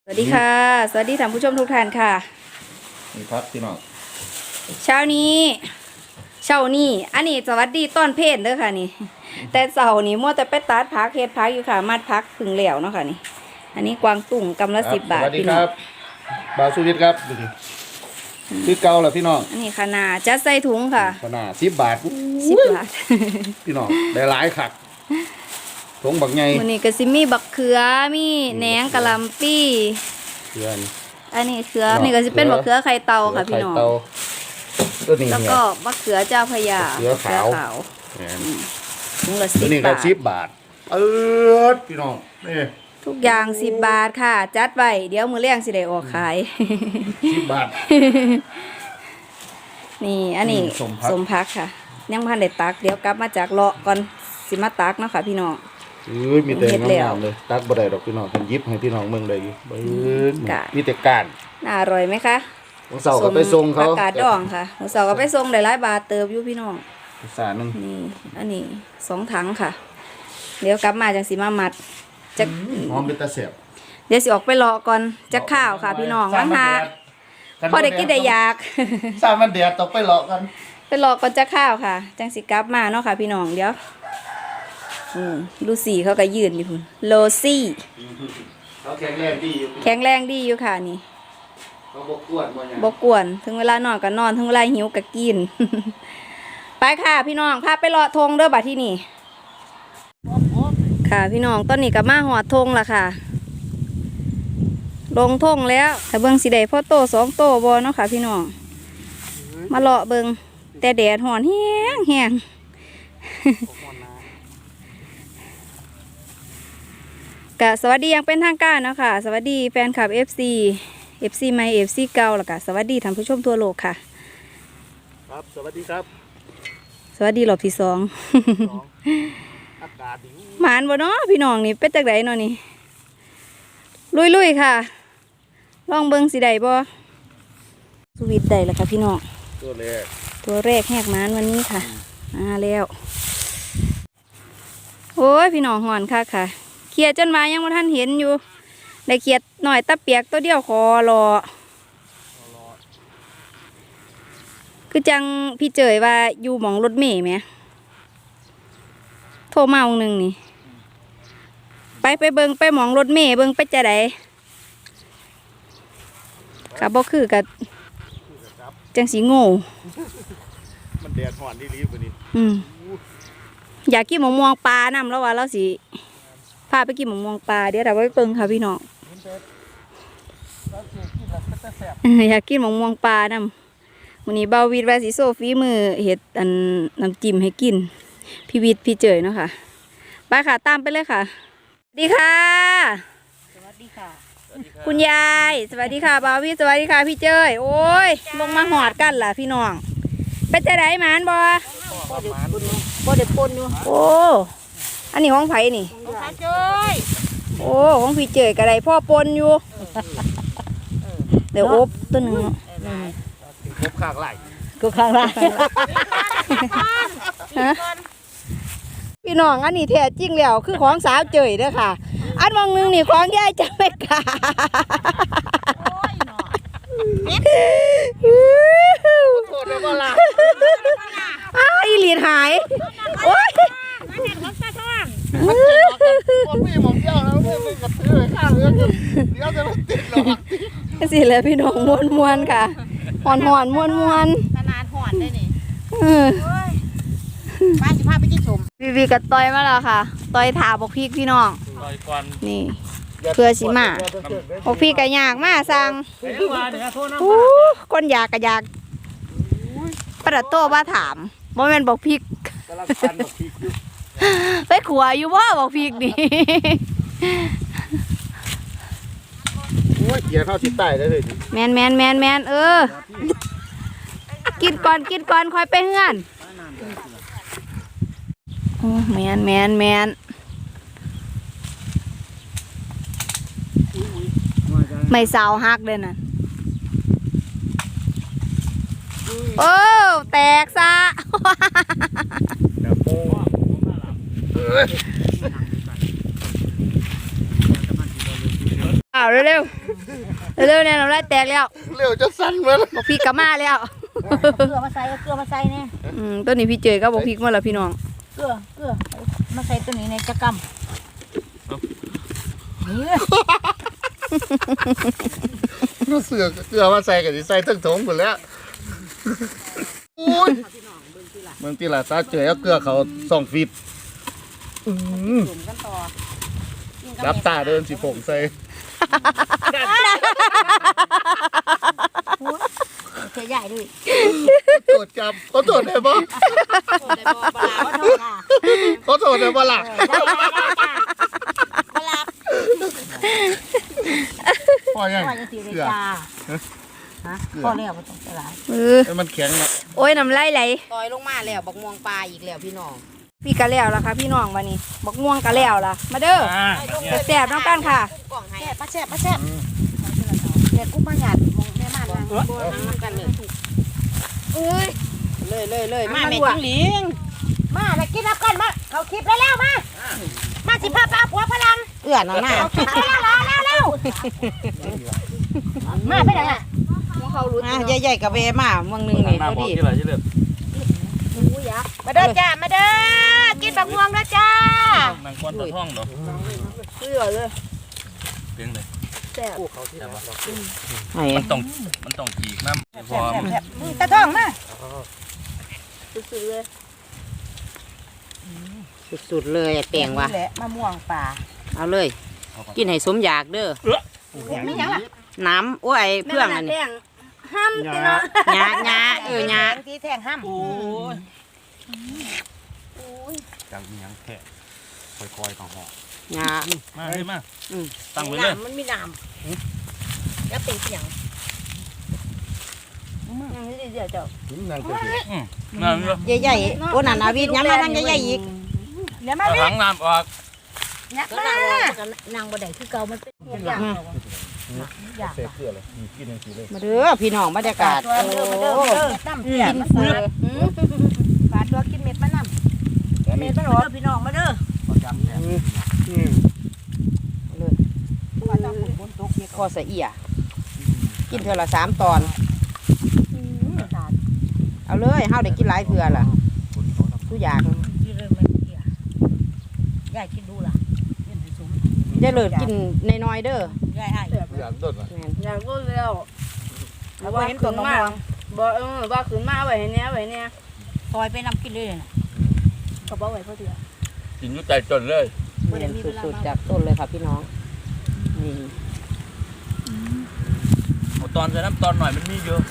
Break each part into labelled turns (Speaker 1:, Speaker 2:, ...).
Speaker 1: สวัสดีค่ะสวัสดีท่านผู้ชมทุกท่านค่ะ
Speaker 2: นี่ครับพี่น้อง
Speaker 1: เช้านี้อันนี้สวัสดีต้อนเพศเด้อค่ะนี่แต่เสาร์นี้มัวแต่ไปตัดพักเฮ็ดพักอยู่ค่ะมัดพักพึ่งเหลวเนาะค่ะนี่อันนี้กวางตุ่งกำละ10 บาทพี่น้อง
Speaker 2: บาวสุวิทย์ครับดูดิคือเก่าแหละพี่น้อง
Speaker 1: อันนี้ขนาดจัดใส่ถุงค่ะ
Speaker 2: ขนาด10 บาท
Speaker 1: 10 บาท
Speaker 2: พี่น้องได้หลายคักถุงบักใหญ่
Speaker 1: มื้อนี้ก็สิมีบักเขือมีแหนงกะหล่ำปี้
Speaker 2: เขือนี่
Speaker 1: อันนี้เขือนี่ก็สิเป็นบักเขือไข่เต่าค่ะพี่น้อง
Speaker 2: ตัวนี้
Speaker 1: แล้วก็บักเขือเจ้าพระยา
Speaker 2: เขือขาว
Speaker 1: ถุงละ
Speaker 2: ตัวนี้
Speaker 1: 10
Speaker 2: ก็
Speaker 1: บาท
Speaker 2: 10 บาทพี่น้องนี่
Speaker 1: ทุกอย่าง10 บาทค่ะจัดไว้เดี๋ยวมื้อแรงสิได้ออกขาย
Speaker 2: 10 บาท
Speaker 1: นี่อันนี้สมพักค่ะยังพันได้ตักเดี๋ยวกลับมาจากเลาะก่อนสิมาตักเนาะค่ะพี่น้อง
Speaker 2: มีแต่งามๆเลยตักบ่ได้ดอกพี่น้องเพิ่นยิบให้พี่น้องเมืองได้อยู่มีแต่ก้าน
Speaker 1: น่าอร่อยไหมคะ
Speaker 2: วันเสาร์ก็ไปส่งเขา
Speaker 1: อากาศดองค่ะวันเสาร์ก็ไปส่งได้หลายบาทเติบอยู่พี่น้อง
Speaker 2: สานึง
Speaker 1: นี่อันนี้2 ถังค่ะเดี๋ยวกลับมาจังสิมามัดจะ
Speaker 2: หอมเป็นตาเสียบ
Speaker 1: เดี๋ยวสิออกไปเลาะก่อนจะข้าวค่ะพี่น้องวันหาพอได้กินได้อยาก
Speaker 2: สามวันเดียวตกไปเลาะกัน
Speaker 1: ไปเลาะก่อนจะข้าวค่ะจังสิกลับมาเนาะค่ะพี่น้องเดี๋ยวลูซี่เขาก็ยืนอยู่พุ่นโลซี่
Speaker 2: เขาแข็งแรงดีอยู่
Speaker 1: ค่ะนี่
Speaker 2: เขาบกวน
Speaker 1: ถึงเวลานอนก็นอนถึงเวลาหิวก็กิน ไปค่ะพี่น้องพาไปเลาะธงเด้อบัดที่นี่ค่ะพี่น้องตอนนี้ก็มาหอดธงละค่ะลงธงแล้วถ้าเบิ่งสิได้พ่อโต2 โตบ่เนาะค่ะพี่น้องมาเลาะเบิ่งแต่แดดร้อนแห้งกะสวัสดียังเป็นทางการเนาะค่ะสวัสดีแฟนคลับ FC ใหม่ FC เก่าแล้วก็สวัสดีท่านผู้ชมทั่วโลกค่ะ
Speaker 2: ครับสวัสดีครับ
Speaker 1: สวัสดีรอบที่2
Speaker 2: อากาศดี
Speaker 1: หมานบ่เนาะพี่น้องนี่เป็นจังไดเนาะนี่ลุยค่ะลองเบิ่งสิได้บ่สวิตได้แล้วค่ะพี่น้องตัวแรกแหกหมานวันนี้ค่ะมาแล้วโอ้ยพี่น้องหอนค่ะเขียดจนมายังบ่ทันเห็นอยู่ได้เขียดหน่อยตะเปียกตัวเดียวคอรอคือจังพี่เจยว่าอยู่หมองรถเมล์ไหมโทรมาองนึงนี่ไปเบิ่งไปหมองรถเมล์เบิ่งไปจะไดกับบ่คือกับจังสีโง่
Speaker 2: มันแดดร้อนดีๆกว่านี้
Speaker 1: อยากกินหมองม่วงปลานำแล้วว่าเราสิพาไปกินหมองม่วงปลาเดี๋ยวเราไปเบิ่งค่ะพี่น้องอยากกินหมองม่วงปลานำวันนี้บ่าววิทย์ว่าสิโซฟีมือเห็ดอันน้ำจิ้มให้กินพี่วิทย์พี่เจยเนาะค่ะไปค่ะตามไปเลยค่ะสวัสดีค่ะ
Speaker 3: สวัสดีค่ะ
Speaker 1: คุณยายสวัสดีค่ะบ่าววิทย์สวัสดีค่ะพี่เจยโอ้ยลงมาหอดกันล่ะพี่น้องเป็นจะได้หมานบ่ได้ปนอยู่โอ้อันนี้ของไผ่นี่
Speaker 3: ของเจย
Speaker 1: โอ้ของพี่เจยกระไรพ่อปนอยู่เดี๋ยวอบตัวหนึ่ง
Speaker 2: กบข้างไหล
Speaker 1: พี่น้องอันนี้แท้จริงแล้วคือของสาวเจยเด้อค่ะอันมองนึงนี่ของยายจะไม่กล้า
Speaker 2: โคตรเลยบ่ล่ะ
Speaker 1: อีหลีดหายโอ้ย
Speaker 2: ผมมีหมองเจ้าแล้วเพื่อนกับซื้อข้าวเรือเดี๋ยวจะไม่ติดหรอก
Speaker 1: สิเลยพี่น้องมวนค่ะหอนมวน
Speaker 3: ขนาดหอนได้นี่ป้าสิพาไปกินสม
Speaker 1: วีกับต้อยมาแล้วค่ะต้อยถาบอกพี่พี่น้องนี่เพื่อสิมาบอกพี่ก็อยากมาสั่งคนอยากก็อยากประโต้ว่าถามโมเมนต์บอกพี่ไปขัวอยู่ว่าบอกพี่นี่
Speaker 2: โอ้ยเกี่ยวเข้าที่ใต้ได้เลย
Speaker 1: แมนกินก่อนค่อยไปเฮือนโอ้แมนไม่สาวฮักเลยน่ะโอ้แตกซะอ้าวเร็วๆเร็วๆเนี่ยน้ำลายแตกแล้ว
Speaker 2: เร็วจะสั้นเหมือน
Speaker 1: บอกพี่กลับมาแล้ว
Speaker 3: เกลือมาใส่เกลือมาใส่เนี่ย
Speaker 1: ตัวนี้พี่เจยก็บอกพี่มาแล้วพี่น้อง
Speaker 3: เกลือมาใส่ตัวนี้ในจักรนี่
Speaker 2: เสือเกลือมาใส่กับใส่ทั้งถงหมดแล้วอุ้ยเมืองที่ละตาเจอเอาเกลือเขาส่องฟิต
Speaker 3: จุ่มกันต่อ
Speaker 2: รับตาเดินสิผงใส่
Speaker 3: เทใหญ่ด้วย
Speaker 2: ตรวจจับเขาตรวจได้ปะเขาตรวจได้ปะล่ะ
Speaker 3: ปลา
Speaker 2: พอยัง
Speaker 3: ปลาจะสีเลยจ้าฮะพอแล้วไม่ต้องตลาด
Speaker 2: ให้มันแข็งนะ
Speaker 1: โอ้ยน้ำลายไหล
Speaker 3: ต่อยลงมาแล้วบักม่วงปลาอีกแล้วพี่น้อง
Speaker 1: พี่กะแล้วล่ะค่ะพี่น้องวันนี้บักม่วงกะแล้วล่ะมาเด้อแซ่บๆน้องกันค่ะ
Speaker 3: กล่องให้ปลาแซ่บเด็กกุ้งมาหยาดมองแม่มาดังนั่งกันเลยเลยมาแม่จิ้งหลิงมาแล้วกินรับกันมาเขาคลิปแล้วมาสิพาปลาผัวพลังเอื้อนเอาหน้าแล้วมาไปไหนอ่ะ
Speaker 4: ใหญ่ๆกับเวมาเมืองหนึงนี่เขาดี
Speaker 3: มาเด้อจ้ามาเด้อกินบักม่วงเด้อจ้า
Speaker 5: นางควันตะท่องเนาะ
Speaker 1: เสือเลย
Speaker 5: เพียงเลย
Speaker 1: แซ่บ
Speaker 4: ไอ้
Speaker 5: มันต้องจีกน้ำพอ
Speaker 3: ตะท่องมา
Speaker 1: สุดๆเลย
Speaker 4: สุดๆเลยแปลงว่ะ
Speaker 3: แหละมะม่วงป่า
Speaker 4: เอาเลย กินให้สมอยากเด้อ
Speaker 3: ไม่ยังล่ะ
Speaker 4: น้ำโอ้ยเพื่องอัน
Speaker 1: แม่
Speaker 4: นี้
Speaker 1: แดงห้ามติเนาะ
Speaker 4: หยาหยา
Speaker 3: ที่แทงห้าม
Speaker 5: จังยังแค่คอยๆของห่อ
Speaker 4: หยา
Speaker 5: มาเลยมา
Speaker 4: อืม
Speaker 5: ตั้งไว้เลย
Speaker 3: มันมีน้ำแล้วเป็นเสียง
Speaker 1: ยังไม่ได้เดี๋ยวเจ้า
Speaker 2: นั่งเฉย
Speaker 5: น้ำเยอะ
Speaker 4: ใหญ่ๆโอ้นั่นอาวิทย้ำมาทางใหญ่ๆอีก
Speaker 3: เดี๋ยวมา
Speaker 5: ถังน้ำออก
Speaker 3: เนี่ยมานางบ่ได้คือเก่ามันเป็นอย่าง
Speaker 2: ๆเสพเกลือเลยกินอย่างสีเลย
Speaker 4: มาเด้อพี่น้องบรรยากาศ
Speaker 3: ตัว
Speaker 4: โอ้
Speaker 3: เด้อมาเด้อน้ำเสียมันเสือฝาตัวกินเม็ดมะน้ำเม็ดมะหรอพี่น้องมาเด้อ
Speaker 4: คอสะเอียกินเทื่อละ3 ตอน เอาเลยเฮาได้กินหลายเทื่อล่ะทุกอย่าง
Speaker 3: ยายกินดูล่ะ
Speaker 4: อย่าเลิศกินน้อยๆเด้อย
Speaker 3: ายให้
Speaker 2: อยากโดดนะ
Speaker 4: แม่น
Speaker 1: อยากรู้แล้ว
Speaker 3: ว่าเห็นตัวน้อง
Speaker 1: บอกว่าขืนมาไว้ให้เนี้ยไว้เนี่ย
Speaker 3: ซอยไปนำกินเลยน่ะ
Speaker 1: เขาบอกไว้เพราะเถื่อ
Speaker 5: กินอยุ่ใจจนเลย
Speaker 4: สุดๆจากต้นเลยค่ะพี่น้องนี่
Speaker 5: เอาตอนใส่น้ำตอนหน่อยมันมีเยอะ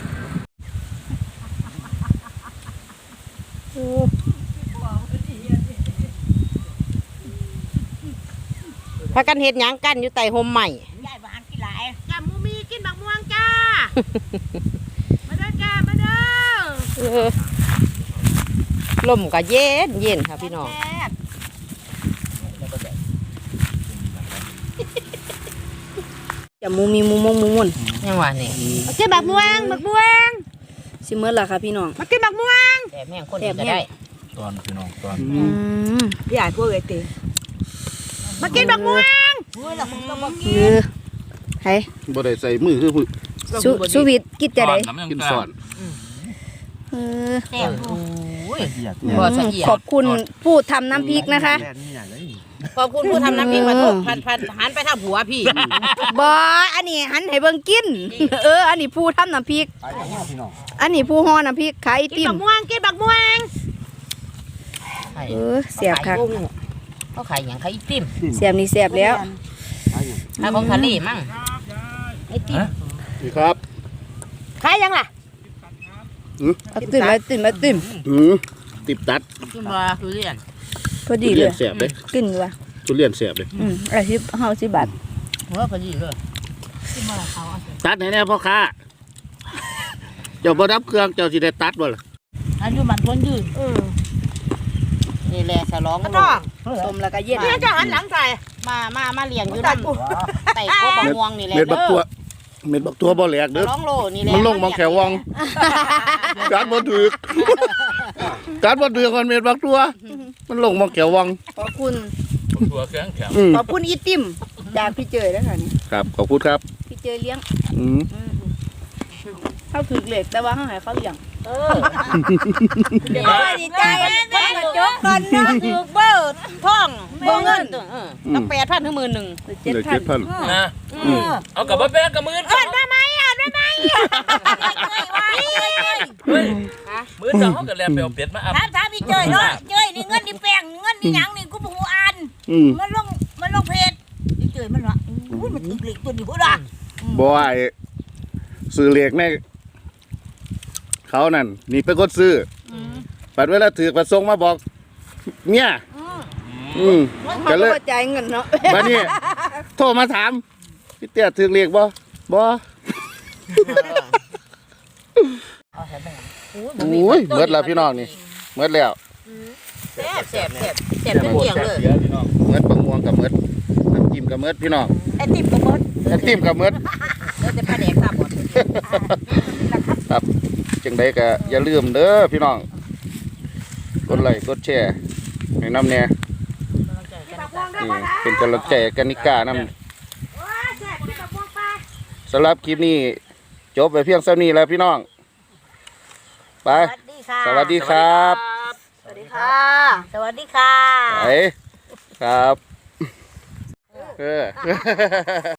Speaker 4: พากันเฮ็ดหยังกันอยู่ใต้ห่มใหม่
Speaker 3: ยายบ้านกินหลายจ้ามูมีกินบักม่วงจ้ามาเด้อจ้ามาเด้อ
Speaker 4: ลมก็เย็นเย็นค่ะพี่น้อง
Speaker 3: แซ่บ
Speaker 1: จะมูมีมูมงมูมุน
Speaker 4: ยังว่านี่
Speaker 3: มากินบักม่วง
Speaker 1: สิเมื่อล่ะค่ะพี่น้อง
Speaker 3: มากินบักม่วง
Speaker 4: แต่แม่งคนอื่นก็ได้
Speaker 5: ตอนพี่น้องตอน
Speaker 3: ยายพวกเอติมากินบักม่วงเฮ้ยล่ะผมก็บ่กิน
Speaker 1: คือใคร
Speaker 2: บ่ได้ใส่มือคือ
Speaker 1: สุวิทย์กินจะได้
Speaker 5: น้ำยัง
Speaker 2: กิน
Speaker 5: ก
Speaker 2: ส
Speaker 5: ล้า
Speaker 2: อน
Speaker 3: แซ่บ
Speaker 4: บ่สะเอีย
Speaker 1: ขอบคุณผู้ทำน้ำพริกนะคะ
Speaker 4: ขอบคุณผู้ทำน้ำพริกมาโทษพันหันไปทางผัวพี่
Speaker 1: บออันนี้หันให้เบิ่งกิน อันนี้ผู้ทำน้ำพริก อันนี้ผู้ห่อน้ำพริกขายไอ
Speaker 3: กิน
Speaker 1: ติม
Speaker 3: บักม่วงกินบักม่วง
Speaker 1: เสียบค่ะ
Speaker 4: เขาขายอย่างขายไอติม
Speaker 1: เสียบนี่เสียบแล้ว
Speaker 4: ขายของทะเลมั่ง
Speaker 3: ไอติม
Speaker 2: นี่ครับ
Speaker 3: ขายยังล่ะ
Speaker 1: เอาตื่นมาตื่นมาตื่น
Speaker 2: ติบตัด
Speaker 4: ขึ้นมาคือเรียน
Speaker 1: พอดี
Speaker 2: ทุ
Speaker 1: เล
Speaker 2: เรีย
Speaker 1: ย
Speaker 2: นเสียบเลย
Speaker 1: กินอยู่ว่ะ
Speaker 2: ทุเรียนเสียบเลย
Speaker 1: อาชีพเฮาสิบบาท
Speaker 4: หัวพอดีเลย
Speaker 2: ตัดให้แน่พ่อค้าเจ้าบ่รับเครื่องเจ้าสิได้ตัดบ่ล่ะ
Speaker 3: อันอยู่มันคนยืน
Speaker 4: นี่แหละฉลอง
Speaker 3: กระต้อง
Speaker 1: ต้มแล้วก็เย็น
Speaker 3: เนี่ยจะหันหลังใส่
Speaker 4: มาเลี้ยงอยู่น้ำไต่โคบะม่วงนี่แหละ
Speaker 2: เม็ดบัก
Speaker 4: เด้
Speaker 2: ตัว
Speaker 4: อ
Speaker 2: เม็ดบักตัวบ่แหลกเด้อ
Speaker 4: ร้องโลนี่แหละ
Speaker 2: มันลงมองแขววังการบ่ถือกการบ่ถือกมันเม็ดบักตัว มันลงมองแขววัง
Speaker 1: ขอบคุณ
Speaker 5: ตัวแข็ง
Speaker 2: อืม
Speaker 1: ขอบคุณอีติมจากพี่เจยแล้วค่ะนี่
Speaker 2: ครับขอบคุณครับ
Speaker 1: พี่เจยเลี้ยง
Speaker 2: อืม
Speaker 1: เขาถือเหล็กแต่ว่าเขาหายเขาเลี้ยง
Speaker 3: โอ้ยดีใจเพิ่นก็จบกันเนาะถูกเบิดท่องบ่เงินต้อง8,000ถึง10,000
Speaker 2: เหลือ7,000
Speaker 5: นะเอากลับมาแบกกับมือ
Speaker 3: เอิ้นมาไหมเอิ้นมาไหม
Speaker 5: เฮ้ยมือสองเขาก็แลไปเอาเป็ดมาอัพ
Speaker 3: ถามพี่เจยเนาะเจยนี่เงินนี่แป้งเงินนี่หยังนี่กูบ่ฮู้อ่าน
Speaker 2: อืม
Speaker 3: มันลงเพจพี่เจยมันว่าอุ้ยมันถึกเหล็กตัวนี้พุ่นน่ะ
Speaker 2: บ่ไอ้ซื้อเหล็กแน่เขานั่นนี่เป็นคนซื้อปัดเวลาถือประสงค์มาบอกเมีย
Speaker 1: เขา
Speaker 2: ก็เลย
Speaker 1: ก็จ่ายเงินเนาะ
Speaker 2: บัดนี้โทรมาถามพี่เตี้ยถือเหล็กบ่บ่โอ้ยเบิดแล้วพี่น้องนี่เบิดแล้ว
Speaker 3: แซ่บเป็นเกี่ยงเลย
Speaker 2: เมิดบางม่วงกับเมิดน้ำจิ้มกับเมิดพี่น้อง
Speaker 3: ไอ้ติ๊บก็หมด
Speaker 2: น้ำจิ้มกับเมิด
Speaker 3: แล้วแต่ปลาแดกตาบอด
Speaker 2: ครับจังใดก็อย่าลืมเด้อพี่น้องกดไลค์กดแชร์ให้น้ำแน่เป็นกำลังใจกันนิกาน้ำสำหรับคลิปนี้จบไปเพียงเท่านี้แล้วพี่น้องไปสวัสดีครับ
Speaker 3: สวัสดีค่ะสวัสดีค่ะ
Speaker 2: ไปครับ